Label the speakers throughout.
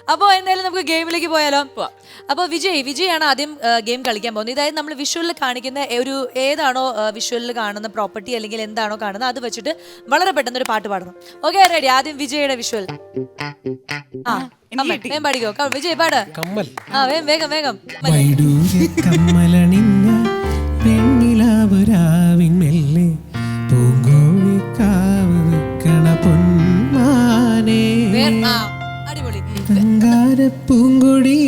Speaker 1: അപ്പോൾ എന്തായാലും നമുക്ക് ഗെയിമിലേക്ക് പോയാലോ? അപ്പോൾ വിജയാണ് ആദ്യം ഗെയിം കളിക്കാൻ പോകുന്നത്. ഇതായത് നമ്മൾ വിഷ്വലിൽ കാണിക്കുന്ന ഒരു ഏതാണോ വിഷ്വലിൽ കാണുന്ന പ്രോപ്പർട്ടി അല്ലെങ്കിൽ എന്താണോ കാണുന്നത് അത് വെച്ചിട്ട് വളരെ പെട്ടെന്ന് ഒരു പാട്ട് പാടണം. Okay, ready? ആദ്യം വിജയുടെ വിഷ്വൽ. വേഗം പാടിക്കോ. വിജയ് പാട്. വേഗം വേഗം. അടിപൊളി.
Speaker 2: പൂങ്കൊടി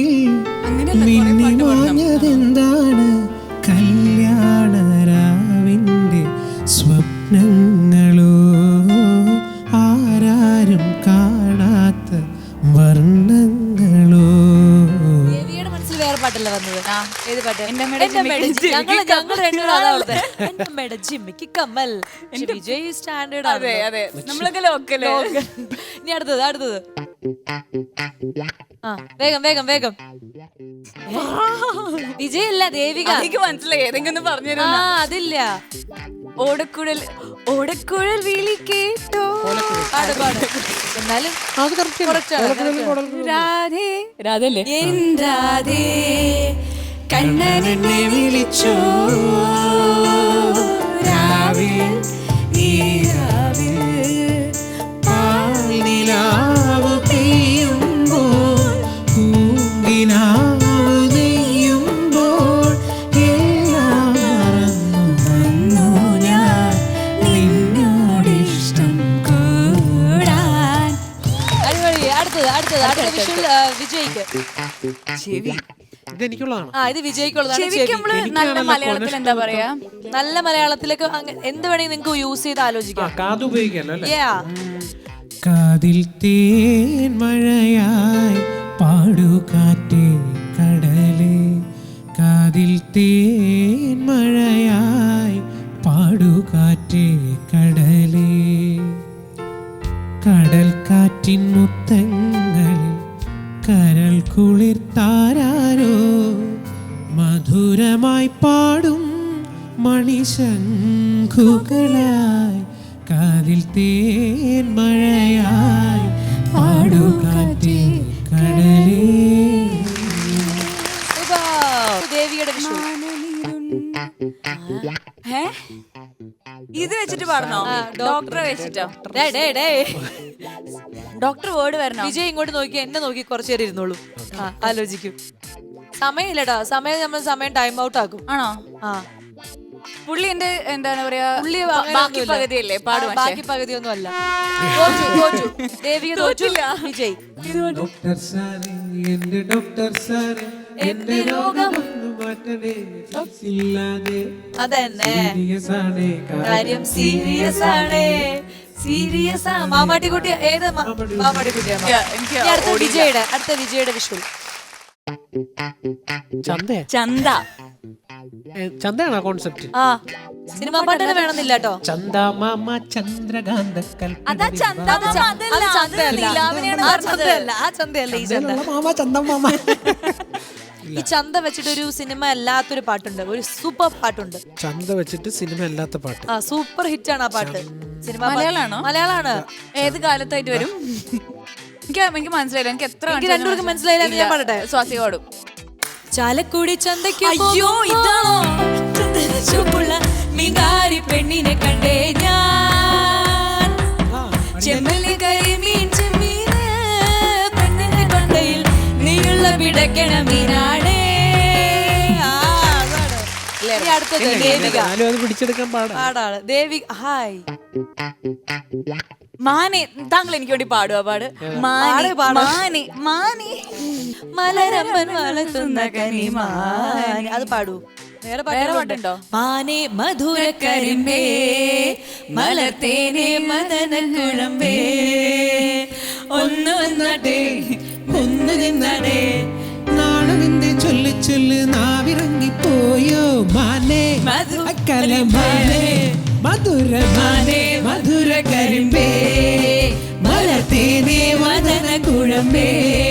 Speaker 2: എന്താണ് കല്യാണരാവിന്റെ സ്വപ്നങ്ങളോ ആരാരും കാണാത്ത വർണ്ണങ്ങളോ.
Speaker 1: ദേവിയുടെ മനസ്സിൽ വേറെ പാട്ടല്ല വന്നത്. ഏത് പാട്ട്? കമ്മൽ. വിജയ് സ്റ്റാൻഡേർഡ് ആണ്. ഇനി അടുത്തത്. വേഗം വേഗം വേഗം. വിജയല്ല, ദേവിക.
Speaker 3: എനിക്ക് മനസ്സിലായി. ഏതെങ്കിലും പറഞ്ഞു.
Speaker 1: അതില്ല.
Speaker 3: ഓടക്കുഴൽ വിളി കേട്ടോ.
Speaker 1: എന്നാലും
Speaker 3: രാധല്ലേ?
Speaker 1: രാധേ കണ്ണനെ വിളിച്ചോ രാവിൽ ഈ രാവിൽ
Speaker 2: പാൽനിലാവ് പെയ്യുമ്പോൾ പൂങ്കിനാവ് നെയ്യുമ്പോൾ എല്ലാം മറന്നു വന്നു ഞാൻ നിന്നോടിഷ്ടം കൂടാൻ.
Speaker 1: അടിപൊളി. അടുത്ത വിഷ്വൽ വിജയ്ക്ക്.
Speaker 3: ചെവി.
Speaker 2: ഇതെനിക്കുള്ളതാണ്.
Speaker 1: ഇത് വിജയ്ക്കുള്ളതാണ്.
Speaker 3: നല്ല മലയാളത്തിൽ എന്താ പറയാ?
Speaker 1: നല്ല മലയാളത്തിലേക്ക് എന്ത് വേണമെങ്കിൽ നിങ്ങൾക്ക് യൂസ് ചെയ്ത് ആലോചിക്കാം.
Speaker 2: കാത് ഉപയോഗിക്കാലോ അല്ലേ?
Speaker 4: കാതിൽ തേൻ മഴയായി പാടുകാറ്റേ കടലേ, കാതിൽ തേൻ മഴയായി പാടുകാറ്റേ കടലേ, കടൽ കാറ്റിൻ മുത്തങ്ങളിൽ കരൾ കുളിർത്താരോ മധുരമായി പാടും മണിശംഖുകളായി, കാതിൽ തേൻ മഴയായി പാടുകാറ്റേ കടലേ.
Speaker 1: ദേവിയുടെ വിഷു.
Speaker 3: ഇത് വെച്ചിട്ട് പാടണോ? ഡോക്ടറെ വെച്ചിട്ടോ? ഡോക്ടർ വേർഡ് വരണോ?
Speaker 1: വിജയ് ഇങ്ങോട്ട് നോക്കി, എന്നെ നോക്കി കുറച്ചു നേരം ഇരുന്നോളൂ. ആലോചിക്കും. സമയമില്ലടാ. സമയം ടൈം ഔട്ട് ആക്കും.
Speaker 3: ആണോ? പുള്ളി എന്റെ എന്താണ് പറയാ, ബാക്കി പകുതിയല്ലേ പാടും.
Speaker 1: ബാക്കി പകുതിയൊന്നും അല്ല. ദേവിക തോറ്റില്ല. വിജയ്.
Speaker 2: ഡോക്ടർ സാറേ, എന്റെ ഡോക്ടർ സാറേ, എന്റെ രോഗം മാറ്റണേ, ഇല്ലാതെ
Speaker 1: അതന്നെ കാര്യം
Speaker 2: സീരിയസ് ആണ്.
Speaker 1: സീരിയസ് ആ. മാമാട്ടിക്കുട്ടി. ഏത് മാമാട്ടിക്കുട്ടിയാണ്? അടുത്ത വിജയുടെ വിഷ്വൽ.
Speaker 2: ചന്തയാണോ കോൺസെപ്റ്റ്?
Speaker 1: സിനിമാ പാട്ടിന് വേണമെന്നില്ല കേട്ടോ.
Speaker 2: ചന്ദ മാമ ചന്ദ്രകാന്ത
Speaker 1: ആ ചന്തയല്ല ഈ ചന്ത. ഈ ചന്ത വെച്ചിട്ട് ഒരു സിനിമ അല്ലാത്തൊരു പാട്ടുണ്ട്, ഒരു സൂപ്പർ പാട്ടുണ്ട്.
Speaker 2: ചന്ത വെച്ചിട്ട് സിനിമ അല്ലാത്ത പാട്ട്.
Speaker 1: സൂപ്പർ ഹിറ്റ് ആണ് ആ പാട്ട്. സിനിമ
Speaker 3: മലയാളാണോ?
Speaker 1: മലയാളാണ്.
Speaker 3: ഏത് കാലത്തായിട്ട് വരും? എനിക്ക് മനസ്സിലായില്ല. എനിക്ക് എത്ര
Speaker 1: രണ്ടുപേർക്ക് മനസ്സിലായില്ല. ഞാൻ പാടട്ടെ.
Speaker 3: സ്വാസി പാടും.
Speaker 1: ചാലക്കുടി ചന്തയ്ക്ക്
Speaker 3: അയ്യോ, ഇതാണോ?
Speaker 1: മീൻകാരി പെണ്ണിനെ കണ്ടേ ഞാൻ, ചെമ്മല്ലി കരിമീൻ ചെമ്മീന് പെണ്ണിന്റെ കൊണ്ടയിൽ നീയുള്ള പിടക്കണ മീനാടേ. അടുത്തത് ദേവിക.
Speaker 2: പിടിച്ചെടുക്കാൻ
Speaker 1: പാടാണ് ദേവിക. ഹായ്
Speaker 3: മാനെ, താങ്കൾ എനിക്ക് വേണ്ടി പാടുക. മാനെ
Speaker 1: മലരമ്പൻ വളർത്തുന്ന കനിമാനെ. അത് പാടൂ. വേറെ പാട്ടുണ്ടോ? മാനെ മധുര കരിമ്പേ മലർത്തേനെ മദന കുഴമ്പേ, ഒന്ന് വന്നടേ ഒന്ന് നിന്നടേ,
Speaker 2: നാണുവിന്റെ ചൊല്ലു ചൊല്ല് നാവിറങ്ങിപ്പോയോ മാനേ മധുരമാനേ, മധുരമാനേ മധുര കരിമ്പേ മലർത്തേനെ മദന കുഴമ്പേ.